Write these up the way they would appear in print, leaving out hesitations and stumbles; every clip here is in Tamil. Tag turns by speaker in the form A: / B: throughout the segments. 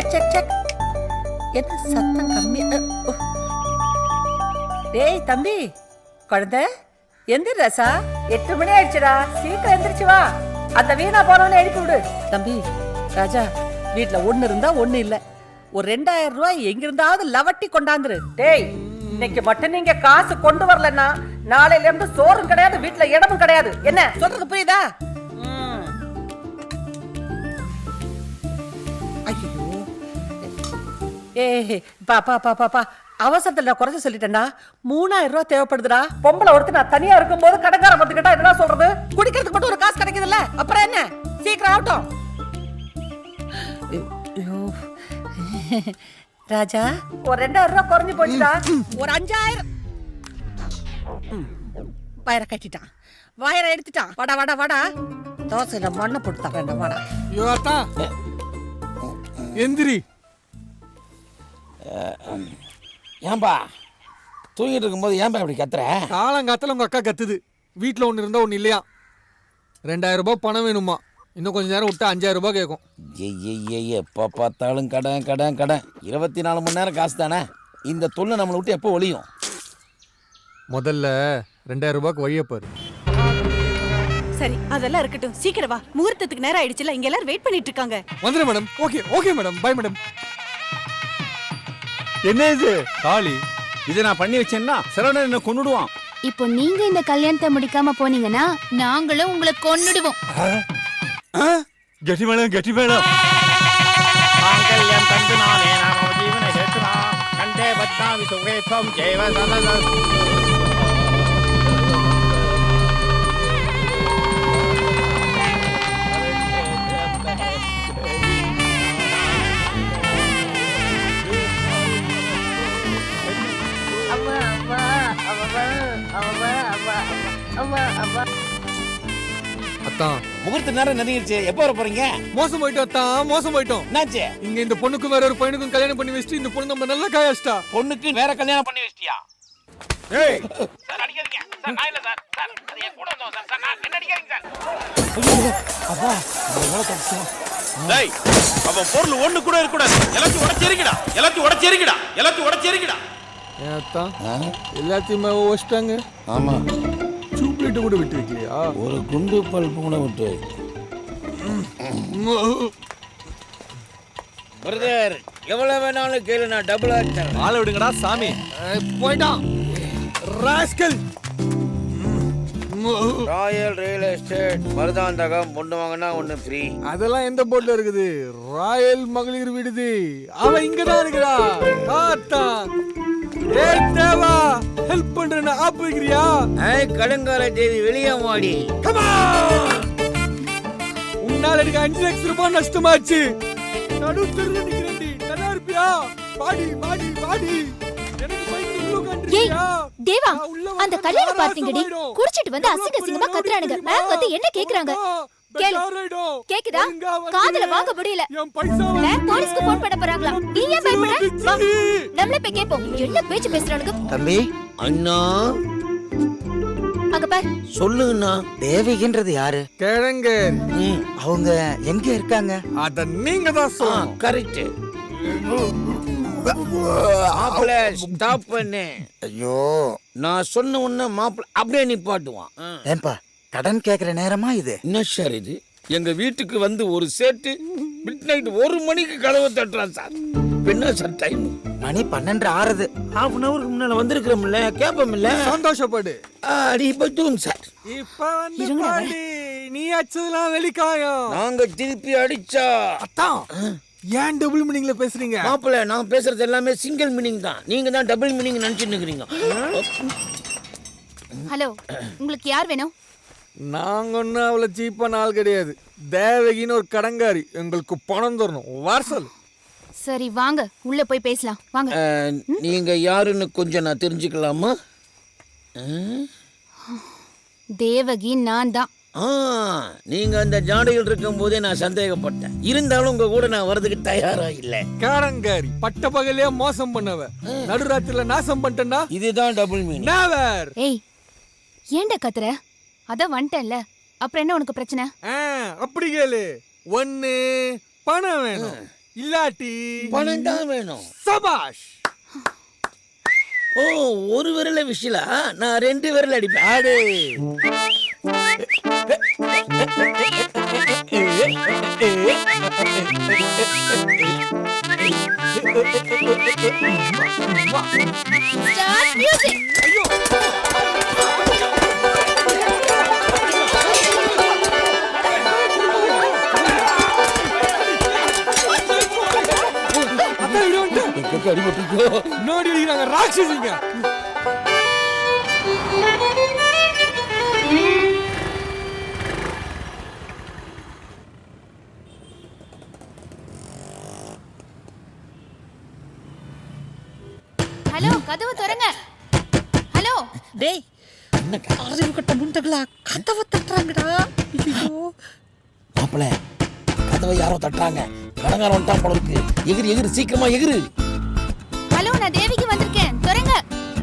A: Check check check. என்ன சத்தம் கம்மி? டேய் தம்பி, குழந்தை எந்திரி ராசா. 8 மணி ஆயிடுச்சுடா, சீக்கிரம் எந்திரிச்சு வா. அந்த வீணா போனவனை எழுப்பி விடு. தம்பி ராஜா, வீட்டுல ஒண்ணு இருந்தா ஒண்ணு இல்ல. ஒரு 2000 ரூபாய் எங்கிருந்தாவது லவட்டி கொண்டாந்துரு. டேய், இன்னைக்கு மட்டும் நீங்க காசு கொண்டு வரலன்னா நாளையில இருந்து சோறும் கிடையாது, வீட்டுல இடமும் கிடையாது. என்ன சொல்றது புரியுதா? ஐயோ, ஏ பாப்பா பாப்பா, அவசரத்துல குறைஞ்ச சொல்லிட்டேன்டா. 3000 ரூபாய் தேவைப்படுதுடா. பொம்பளை ஒருத்தர் நான் தனியா இருக்கும் போது கடைக்கார பத்துக்கிட்டா என்ன சொல்றது? குடிக்கிறதுக்கு மட்டும் ஒரு காசு கிடைக்குதுல்ல, அப்புறம் என்ன? சீக்கிரம் ஆகட்டும். ராஜா, ஒரு 2000 ரூபாய் குறைஞ்சு போச்சுடா. ஒரு 5000 வயரை கட்டிட்டான், வயரை எடுத்துட்டான். வாடா வாடா வாடா, தோசையில மண்ணை போட்டு தரேன்டா. வாடா
B: யுவாத்தா, எந்திரி.
C: ஏன்பா தூங்கிட்டு இருக்கும்போது ஏன்பா இப்படி கத்துற?
B: காலங்காத்துல உங்க அக்கா கத்துது. வீட்டுல ஒண்ணு இருந்தா ஒண்ணு இல்லையா. 2000 ரூபாய் பணம் வேணுமா? இன்னும் கொஞ்ச நேரம் விட்டா 5000 ரூபாய் கேட்கும்.
C: எப்போ பார்த்தாலும் கடன் கடன் கடன். 24 மணி நேரம் காசு தானே. இந்த தொல்லை நம்மளை விட்டு எப்போ ஒழியும்?
B: முதல்ல 2000 ரூபாய்க்கு வழிய பாரு.
D: சரி, அதெல்லாம் இருக்கட்டும், சீக்கிரம் வா. முகூர்த்தத்துக்கு நேரம் ஆயிடுச்சுல, இங்க எல்லாரும் வெயிட் பண்ணிட்டு இருக்காங்க.
B: வந்துரு madam. Okay okay madam, bye madam. என்ன இது காளி?
E: இதை நான் பண்ணி வச்சேன்னா சரவணன் என்ன கொன்னுடுவான்.
F: இப்போ நீங்க இந்த கல்யாணத்தை முடிக்காம போனீங்கன்னா நாங்களும் உங்களை கொன்னுடுவோம்.
B: கெட்டி மேளம் கெட்டி மேளம்.
E: மாங்கல்யம் தந்து நானே நாம ஜீவன ஹேத்துனா கண்டே பத்மாமி சுகே த்வம் ஜெயவ சதத.
B: அத்தான்,
C: முகூர்த்த நேரம் நெருங்கிடுச்சு. எப்போ வர போறீங்க?
B: மோசம் போயிட்டோம் அத்தான், மோசம் போயிட்டோம்.
C: என்னாச்சு?
B: இங்க இந்த பொண்ணுக்கும் வேற ஒரு பையனுக்கும் கல்யாணம் பண்ணி வச்சுட்டு இந்த பொண்ணு நம்ம நல்லா காயாச்சிட்டா.
C: பொண்ணுக்கு வேற கல்யாணம் பண்ணி வச்சிட்டியா?
B: ஏய்
C: சார் அடிக்காதீங்க சார், நான் இல்ல சார். சார் அது என் கூட வந்தோம் சார். சார் நான் என்ன அடிக்காதீங்க சார். அப்பா எவ்வளவு தப்பு.
E: டேய், அவன் பொருள் ஒண்ணு கூட இருக்க கூடாது. எல்லாத்தையும் உடைச்சேரிக்கடா, எல்லாத்தையும் உடைச்சேரிக்கடா, எல்லாத்தையும் உடைச்சேரிக்கடா.
B: அத்தான், எல்லாத்தையுமே வச்சிட்டாங்க.
C: ஆமா,
B: சூப்ளிட்டு கூட விட்டு வைக்கலையா?
C: ஒரு குண்டு பல்பு கூட விட்டு. பிரதர், எவ்வளவு வேணாலும் கேளு, நான் டபுள் ஆக்டர்.
E: ஆளை விடுங்கடா சாமி.
B: போய்டான் ராஸ்கல்.
C: ராயல் ரியல் எஸ்டேட் மருதாந்தகம் ஒண்ணு வாங்கினா ஒண்ணு ஃப்ரீ.
B: அதெல்லாம் எந்த போர்ட்ல இருக்குது? ராயல் மகளிர் விடுதி. அவ இங்கதான் இருக்கிறா. ஆத்தா, ஏய் தேவா, ஹெல்ப் பண்றேன்னு ஆப் வைக்கிறியா?
C: கடங்கார தேவி வெளியே வாடி.
B: உன்னால எனக்கு 5 லட்சம் ரூபாய் நஷ்டமாச்சு. நடு தெருல நிக்கிறேன்டி, நல்லா இருப்பியா? பாடி பாடி பாடி. எனக்கு பைக் உள்ள கண்டியா?
F: தேவா, அந்த கல்யாண பாத்தீங்கடி, குடிச்சிட்டு வந்து அசிங்க அசிங்கமா கத்துறானுங்க. மேம் வந்து என்ன கேக்குறாங்க? கேக்குதா? காதுல வாங்க முடியல. மேம் போலீஸ்க்கு போன் பண்ண போறாங்களா? நீ ஏன் பயப்படுற? வா, நம்மளே போய் கேப்போம். என்ன பேச்சு பேசுறானுங்க?
C: தம்பி, அண்ணா
F: அங்க பார்.
C: சொல்லுங்கண்ணா.
G: தேவிகின்றது யாரு?
B: கேளுங்க.
G: அவங்க எங்க இருக்காங்க?
B: அத நீங்க தான் சொல்லணும்.
C: கரெக்ட். மாப்பிள்ள ஸ்டாப் பண்ணு.
G: ஐயோ,
C: நான் சொன்ன உடனே மாப்பிள்ள அப்படியே நிப்பாட்டுவான்.
G: ஏன்பா கடன் கேக்குற நேரமா இது?
C: என்ன சார் இது? எங்க வீட்டுக்கு வந்து ஒரு சேட்டு மிட் நைட் 1 மணிக்கு கதவை தட்டுறான் சார். என்ன சார் டைம்?
G: மணி 12 ஆறுது.
C: ஹாஃப் அன் அவருக்கு முன்னால வந்திருக்கிறோம்ல, கேப்பமில்ல.
B: சந்தோஷப்படு.
C: அடி பத்தும் சார்.
B: இப்ப வந்து பாடி, நீ அச்சதெல்லாம் வெளிக்காயம்.
C: நாங்க திருப்பி அடிச்சா
B: அத்தான், ஏன் டபுள் மீனிங்ல பேசுறீங்க?
C: மாப்பிள்ள, நான் பேசுறது எல்லாமே சிங்கிள் மீனிங் தான். நீங்க தான் டபுள் மீனிங் நினைச்சிட்டு இருக்கீங்க.
F: ஹலோ, உங்களுக்கு யார் வேணும்?
B: நாங்க ஒன்னும் அவ்வளவு சீப்பான ஆள் கிடையாது. தேவகின்னு ஒரு கடங்காரி, எங்களுக்கு பணம் தரணும். வார்சல்.
F: சரி வாங்க, உள்ள போய் பேசலாம். வாங்க.
C: நீங்க யாருன்னு கொஞ்சம் நான் தெரிஞ்சுக்கலாமா?
F: தேவகி நான் தான்.
C: நீங்க அந்த ஜாடையில் இருக்கும் போதே நான் சந்தேகப்பட்டேன். இருந்தாலும் உங்க கூட நான் வரதுக்கு தயாரா இல்ல.
B: கடங்காரி பட்ட பகலையே மோசம் பண்ணவ, நடுராத்திரில நாசம் பண்ணிட்டா.
C: இதுதான் டபுள் மீனிங்.
B: நெவர்.
F: ஏய், ஏன்டா கத்துற? அதான் வந்துட்டேன்ல, அப்புறம் என்ன உனக்கு பிரச்சனை?
B: அப்படி கேளு. ஒண்ணு பணம் வேணும், இல்லாட்டி
E: பணம் தான் வேணும்.
B: சபாஷ்.
E: ஓ, ஒரு விரல விஷயலா, நான் 2 விரல் அடிப்பேன்.
B: ஆடு.
F: Start music.
B: அதான் இடி வந்துட்டு.
E: எங்க அடிபட்டுக்கோ.
B: நோடி அடிக்கிறாங்க ராட்சசிங்க.
F: ஹலோ, கதவு திறங்க. ஹலோ.
A: டேய் அறிவு கட்ட முண்டகளா கதவை தட்டுறாங்கடா. ஐயோ
E: மாப்பிள, கதவை யாரோ தட்டுறாங்க. கடங்காரம் வந்துட்டான் போல இருக்கு. எகிரி எகிரி, சீக்கிரமா எகிரு.
F: ஹலோ, நான் தேவிக்கு வந்திருக்கேன். திறங்க.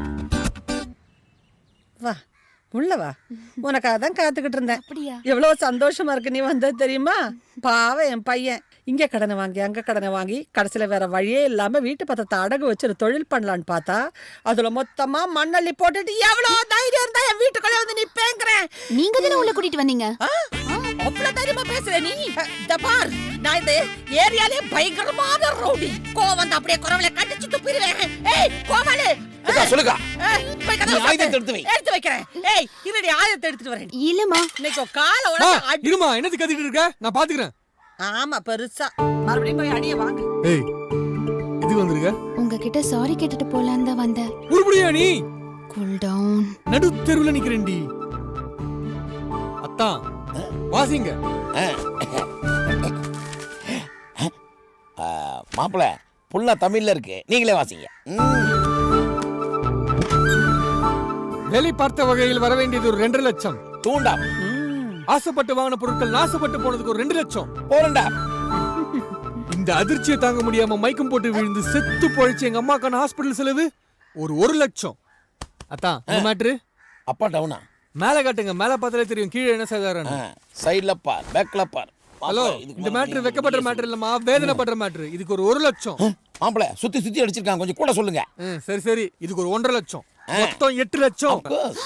A: வா உள்ள வா. உனக்காக தான் காத்துக்கிட்டு இருந்தேன்.
F: அப்படியா?
A: எவ்வளவு சந்தோஷமா இருக்கு நீ வந்தது தெரியுமா? பாவம் என் பையன் இங்க கடனை வாங்கி அங்க கடனை வாங்கி கடைசியில வேற வழியே இல்லாம வீட்டு பத்திரத்தை அடகு வச்சு ஒரு தொழில் பண்ணலான்னு பார்த்தா அதுல மொத்தமா மண்ணள்ளி போட்டுட்டு எவ்வளவு தைரியம் இருந்தா என் வீட்டுக்குள்ள வந்து நிப்பேங்கிறேன்.
F: நீங்க தானே உள்ள கூட்டிட்டு வந்தீங்க.
A: அவ்வளவு தைரியமா பேசுற நீ? இந்த பார், நான் இந்த ஏரியாலே பயங்கரமான ரவுடி. கோவம் வந்து அப்படியே குரவலை கட்டிச்சு துப்பிடுவேன். ஏய் கோமாளு,
E: சொல்லுங்க.
A: போய் கதவை
E: ஆயுதத்தை
A: சாத்து.
E: எடுத்து வை.
A: எடுத்து வைக்கிறேன். ஏய் இருடி, ஆயுதத்தை எடுத்துட்டு வரேன்.
F: இல்லம்மா.
A: இன்னைக்கு கால உடனே அடி.
B: இருமா, என்னது கத்திட்டு இருக்க? நான் பாத்துக்கிறேன்.
A: ஆமா பெருசா. மறுபடியும் போய் அடிய வாங்க.
B: ஏய், இது வந்திருக்க?
F: உங்ககிட்ட சாரி கேட்டுட்டு போலான்னு தான் வந்தேன்.
B: உருப்படியா நீ?
F: Cool down.
B: நடு தெருவுல நிக்கிறேன்டி. அத்தா வாசிங்க.
E: மாப்பிள, புல்லா தமிழ்ல இருக்கு, நீங்களே வாசிங்க.
B: வேலை பார்த்த வகையில் வர வேண்டியது ஒரு 2 லட்சம்.
E: தூண்டா.
B: ஆசைப்பட்டு வாங்கின பொருட்கள் நாசப்பட்டு போனதுக்கு ஒரு 2 லட்சம்.
E: போறண்டா.
B: இந்த அதிர்ச்சியை தாங்க முடியாம மயக்கம் போட்டு விழுந்து செத்து பொழைச்சு எங்க அம்மாக்கான ஹாஸ்பிடல் செலவு ஒரு 1 லட்சம். அத்தான் இந்த மேட்ரு.
E: அப்பா டவுனா?
B: மேல காட்டுங்க, மேல பார்த்தாலே தெரியும் கீழே என்ன சாதாரண.
E: சைடுல பார், பேக்ல பார்.
B: ஹலோ, இந்த மேட்ரு வெக்கப்படுற மேட்ரு இல்லம்மா, வேதனைப்படுற மேட்ரு. இதுக்கு ஒரு 1 லட்சம்.
E: மாப்பிள, சுத்தி சுத்தி அடிச்சிருக்காங்க, கொஞ்சம் கூட சொல்லுங்க.
B: சரி சரி, இதுக்கு ஒரு 1.5 லட்சம். மொத்தம் 8 லட்சம்.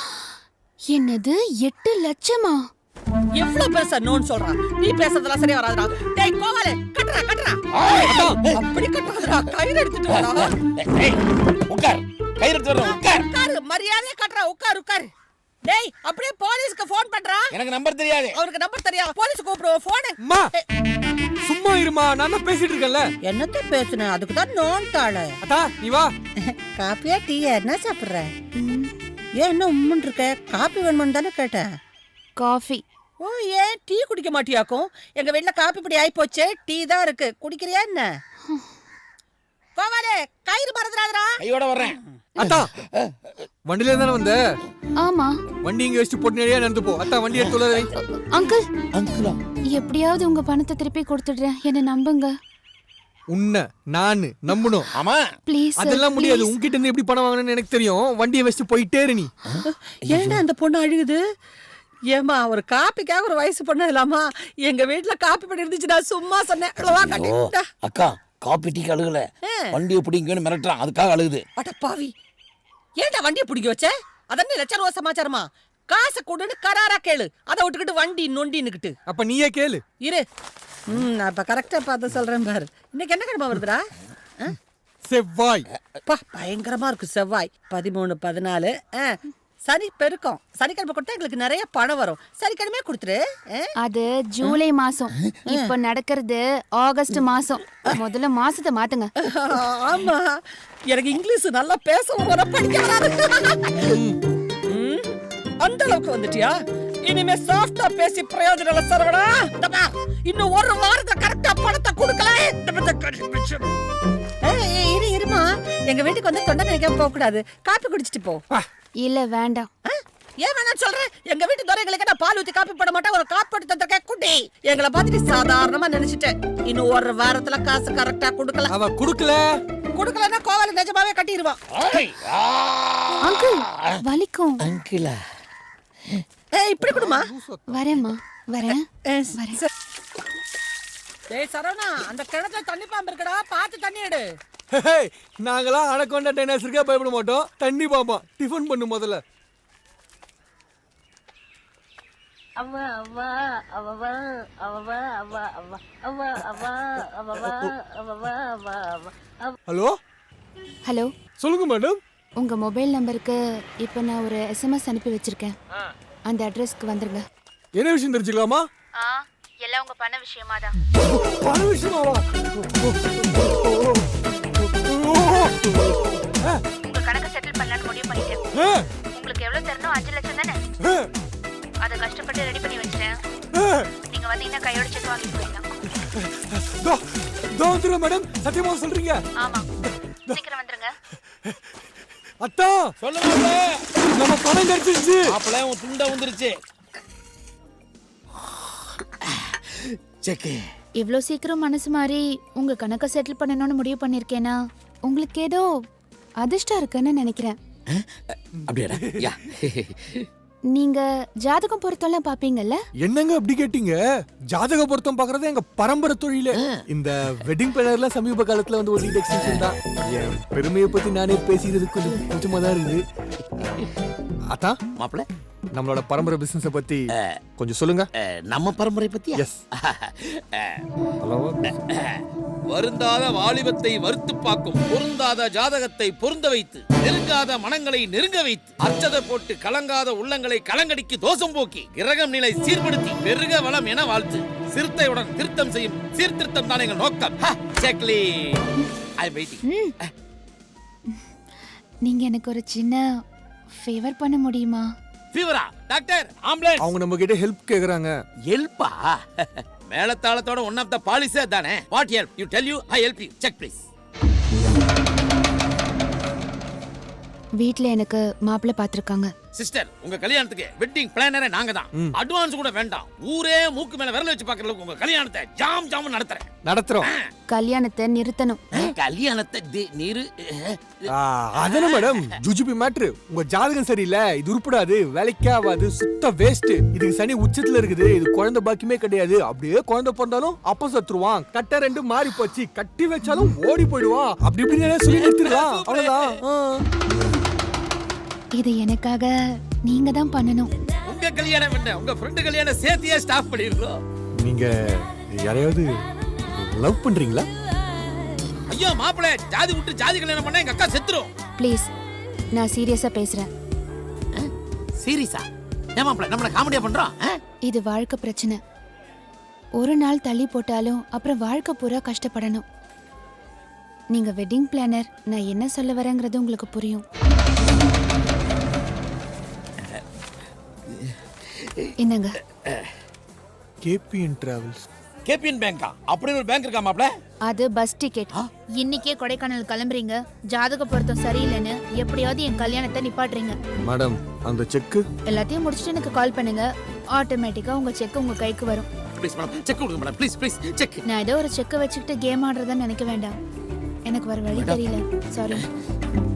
F: என்னது 8 லட்சமா?
A: எவ்வளவு பெருசா நோன்னு சொல்றான். நீ பேசுறதெல்லாம் சரியா வராதுடா. டேய் கோவாலே, கட்டறா கட்டறா. அப்படி கட்டறா. கயிறு எடுத்துட்டு வாடா.
E: ஏய், உட்கார். கயிறு எடுத்து வரணும், உட்கார்.
A: உட்காரு, மரியாதையா கட்டறா. உட்கார். டேய் அப்படியே போலீஸ்க்கு ஃபோன் பண்றா.
E: எனக்கு நம்பர் தெரியாது.
A: அவருக்கு நம்பர் தெரியாது. போலீஸ் கூப்பிடுவோம் போன்.
B: அம்மா சும்மா இருமா, நான் தான் பேசிட்டு இருக்கேன்ல.
A: என்னத்த பேசுன? அதுக்கு தான் நோன்ட்டாளே.
B: அத்தா நீ வா.
A: காப்பியா டீயா என்ன சாப்பிடுற? ஏன் என்ன உம்முன்னு இருக்க? காப்பி வேணும்னு தானே கேட்டேன்.
F: காஃபி.
A: ஓ, ஏன் டீ குடிக்க மாட்டியாக்கும்? எங்க வீட்டுல காப்பி பொடி ஆயி போச்சே, டீ தான் இருக்கு. குடிக்கிறியா என்ன? கோவாலே, கயிறு மறந்துடாதடா.
E: கையோட வர்றேன்.
B: அத்தா வண்டில தானே வந்த?
F: ஆமா.
B: வண்டி இங்க வச்சுட்டு போட்டு நேரா நடந்து போ. அத்தா வண்டி எடுத்து உள்ள வை.
F: அங்கிள்,
E: அங்கிளா?
F: எப்படியாவது உங்க பணத்தை திருப்பி கொடுத்துடுறேன். என்ன நம்புங்க.
B: உன்னை நான் நம்பணும்.
E: ஆமா.
F: ப்ளீஸ்.
B: அதெல்லாம் முடியாது. உன்கிட்ட இருந்து எப்படி பணம் வாங்கணும்னு எனக்கு தெரியும். வண்டியை வச்சுட்டு போயிட்டே இரு நீ.
A: ஏன்டா அந்த பொண்ணு அழுகுது? ஏமா ஒரு காப்பிக்காக ஒரு வயசு பொண்ணு இல்லாமா? எங்க வீட்டுல காப்பி பொடி இருந்துச்சு, நான் சும்மா சொன்னேன். அவ்வளவா கட்டிட்டா.
E: அக்கா, காப்பி டீ அழுகல, வண்டியை பிடிங்கன்னு மிரட்டுறான், அதுக்காக அழுகுது.
A: அட பாவி, ஏன்டா வண்டியை பிடிக்க வச்ச? அதன்னு லட்ச ரூபா சமாச்சாரமா? காசை கொடுன்னு கராரா கேளு. அதை விட்டுக்கிட்டு வண்டி நொண்டின்னுக்கிட்டு.
B: அப்ப நீயே கேளு.
A: இரு, நான் இப்ப கரெக்டா பார்த்து சொல்றேன் பாரு. இன்னைக்கு என்ன கிழமை வருதுடா?
B: செவ்வாய்.
A: பா பயங்கரமா இருக்கு செவ்வாய். 13, 14. சனி பெருக்கம். சனிக்கிழமை கொடுத்தா எங்களுக்கு நிறைய பணம் வரும். சனிக்கிழமை கொடுத்துரு.
F: அது ஜூலை மாசம். இப்ப நடக்கிறது ஆகஸ்ட் மாசம். முதல்ல மாசத்தை மாத்துங்க.
A: ஆமா, எனக்கு இங்கிலீஷ் நல்லா பேச வர, படிக்க வராது. அந்த அளவுக்கு வந்துட்டியா? இனிமே சாஃப்டா பேசி பிரயோஜனம் இல்ல சரவணா. இன்னும் ஒரு வாரத்தை கரெக்டா பணத்தை கொடுக்கல. இருமா, எங்க வீட்டுக்கு வந்து தொண்டை நினைக்காம போக கூடாது. காப்பி குடிச்சிட்டு போ.
F: இல்ல வேண்டாம்.
A: ஏன் வேணாம் சொல்றேன்? எங்க வீட்டு துறைகளுக்கு நான் பால் ஊத்தி காப்பி போட மாட்டேன். ஒரு காப்பி போட்டு தந்திருக்கேன் குட்டி. எங்களை பார்த்துட்டு சாதாரணமா நினைச்சிட்டேன். இன்னும் ஒரு வாரத்துல காசு கரெக்டா கொடுக்கல.
B: அவ குடுக்கலன்னா
A: கோவால நிஜமாவே கட்டிடுவான்.
F: அங்கிள் வலிக்கும்.
E: அங்கிளா?
A: இப்படி கொடுமா.
F: வரேம்மா, வரேன்.
A: டேய் சரவணா, அந்த கிணத்துல தண்ணி பாம்பு இருக்கடா, பார்த்து தண்ணி எடு.
B: நாங்களாம் அனகொண்டா டைனோசருக்கே பயப்பட மாட்டோம். தண்ணி பாப்போம். டிஃபன் பண்ணு முதல்ல.
H: அவ்வா அவ்வா அவ்வா அவ்வா அவ்வா அவ்வா அவ்வா அவ்வா அவ்வா அவ்வா அவ்வா அவ்வா.
B: ஹலோ
F: ஹலோ,
B: சொல்லுங்க மேடம்.
F: உங்க மொபைல் நம்பருக்கு இப்போ நான் ஒரு எஸ்எம்எஸ் அனுப்பி வச்சிருக்கேன். அந்த அட்ரஸ்க்கு வந்துருங்க.
B: என்ன விஷயம் தெரிஞ்சுக்கலாமா?
F: எல்லாம் உங்க பண்ண விஷயமா தான்.
B: பண விஷயமாவா?
F: உங்க கணக்கு செட்டில் பண்ணலாம்னு முடிவு பண்ணிட்டேன். உங்களுக்கு எவ்வளவு தரணும்? 5 லட்சம் தானே? அதை கஷ்டப்பட்டு ரெடி பண்ணி வச்சிட்டேன். நீங்க வந்தீங்கன்னா கையோட செக் வாங்கி போயிடலாம்.
B: மேடம், சத்தியமா சொல்றீங்க?
F: ஆமா, சீக்கிரம் வந்துருங்க.
B: அத்தா
E: சொல்லுங்க
B: நம்ம பணம் கிடைச்சிருச்சு.
E: மாப்பிள்ள உன் துண்டை வந்துருச்சு.
G: செக்கு.
F: இவ்ளோ சீக்கிரம் மனசு மாறி உங்க கணக்க செட்டில் பண்ணணும்னு முடிவு பண்ணிருக்கேனா உங்களுக்கு ஏதோ அதிர்ஷ்டம் இருக்குன்னு நினைக்கிறேன்.
G: அப்படியாடா? யா.
F: நீங்க ஜாதகம் பொருத்தம்லாம் பாப்பீங்கல்ல?
B: என்னங்க அப்படி கேட்டீங்க? ஜாதக பொருத்தம் பாக்குறது எங்க பரம்பரை தொழில. இந்த வெட்டிங் பிளானர்ல சமீப காலத்துல வந்து ஒரு எக்ஸ்டென்ஷன் தான். என் பெருமையை பத்தி நானே பேசிக்கிறது கொஞ்சம் கொஞ்சமா தான் இருக்குது. அத்தா
G: மாப்பிள்ள,
B: நம்மளோட பரம்பரை பிசினஸ பத்தி கொஞ்சம் சொல்லுங்க.
G: நம்ம பரம்பரை பத்தி.
B: எஸ். ஹலோ.
I: வருந்தாத வாலிபத்தை வறுத்து பார்க்கும், பொருந்தாத ஜாதகத்தை பொருந்த வைத்து, நெருங்காத மனங்களை நெருங்க வைத்து, அச்சதை போட்டு கலங்காத உள்ளங்களை கலங்கடிக்கு தோஷம் போக்கி, கிரகம் நிலை சீர்படுத்தி, பெருக வளம் என வாழ்த்து, சிறுத்தையுடன் திருத்தம் செய்யும் சீர்திருத்தம் தான் எங்கள் நோக்கம். செக்லி. I am waiting.
F: நீங்க எனக்கு ஒரு சின்ன ஃபேவர் பண்ண முடியுமா?
I: ஃபீவரா? Doctor, ambulance.
B: அவங்க நம்ம கிட்ட ஹெல்ப் கேக்குறாங்க.
I: ஹெல்ப்பா? மேலத்தாளத்தோட ஒன் ஆஃப் த பாலிசி தானே. What help? You tell you, I help you. Check please.
F: வீட்ல எனக்கு மாப்பிள்ளை பாத்துருக்காங்க.
I: சிஸ்டர், உங்க கல்யாணத்துக்கு வெட்டிங் பிளானரே நாங்க தான். அட்வான்ஸ் கூட வேண்டாம். ஊரே மூக்கு மேல விரல் வச்சு பாக்குற அளவுக்கு உங்க கல்யாணத்தை ஜாம் ஜாம் நடத்துறோம்.
F: கல்யாணத்தை நிறுத்தணும்.
I: கல்யாணத்தை நீரு
B: அதானே மேடம் ஜுஜுபி மேட்ரு. உங்க ஜாதகம் சரியில்லை, இது உருப்படாது, வேலைக்கே ஆகாது, சுத்த வேஸ்ட், இதுக்கு சனி உச்சத்துல இருக்குது, இது குழந்தை பாக்கியமே கிடையாது, அப்படியே குழந்தை பிறந்தாலும் அப்ப சத்துருவான், கட்ட ரெண்டு மாறி போச்சு, கட்டி வச்சாலும் ஓடி போயிடுவான், அப்படி இப்படின்னு சொல்லி நிறுத்திடலாம். அவ்வளவுதான்.
F: இது எனக்காக நீங்க தான் பண்ணணும்.
I: உங்க கல்யாணம் என்ன, உங்க ஃப்ரெண்ட் கல்யாணம் சேர்த்தியே ஸ்டாப் பண்ணிடுறோம்.
B: நீங்க யாரையாவது லவ் பண்றீங்களா?
I: ஐயோ மாப்பிள, ஜாதி விட்டு ஜாதி கல்யாணம் பண்ணா எங்க அக்கா செத்துரும்.
F: ப்ளீஸ், நான் சீரியஸா பேசுறேன்.
I: சீரியஸா? ஏன் மாப்பிள நம்மள காமெடியா பண்றோம்?
F: இது வாழ்க்கை பிரச்சனை. ஒரு நாள் தள்ளி போட்டாலும் அப்புறம் வாழ்க்கை பூரா கஷ்டப்படணும். நீங்க வெட்டிங் பிளானர், நான் என்ன சொல்ல வரேங்கிறது உங்களுக்கு புரியும். என்னங்க?
B: KPN travels.
I: கேபிஎன் பேங்கா? அப்படி ஒரு பேங்க் இருக்கா மாப்பிள?
F: அது பஸ் டிக்கெட். இன்னைக்கே கொடைக்கானல் கிளம்புறீங்க, ஜாதக பொருத்தம் சரியில்லைன்னு எப்படியாவது என் கல்யாணத்தை நிப்பாட்டுறீங்க.
B: மேடம், அந்த செக்
F: எல்லாத்தையும் முடிச்சுட்டு எனக்கு கால் பண்ணுங்க. ஆட்டோமேட்டிக்கா உங்க செக் உங்க கைக்கு வரும்.
I: ப்ளீஸ் மேடம், செக் கொடுங்க மேடம், ப்ளீஸ் ப்ளீஸ் செக்.
F: நான் ஏதோ ஒரு செக்கை வச்சுக்கிட்டு கேம் ஆடுறதா நினைக்க வேண்டாம். எனக்கு வர வழி தெரியல, சாரி.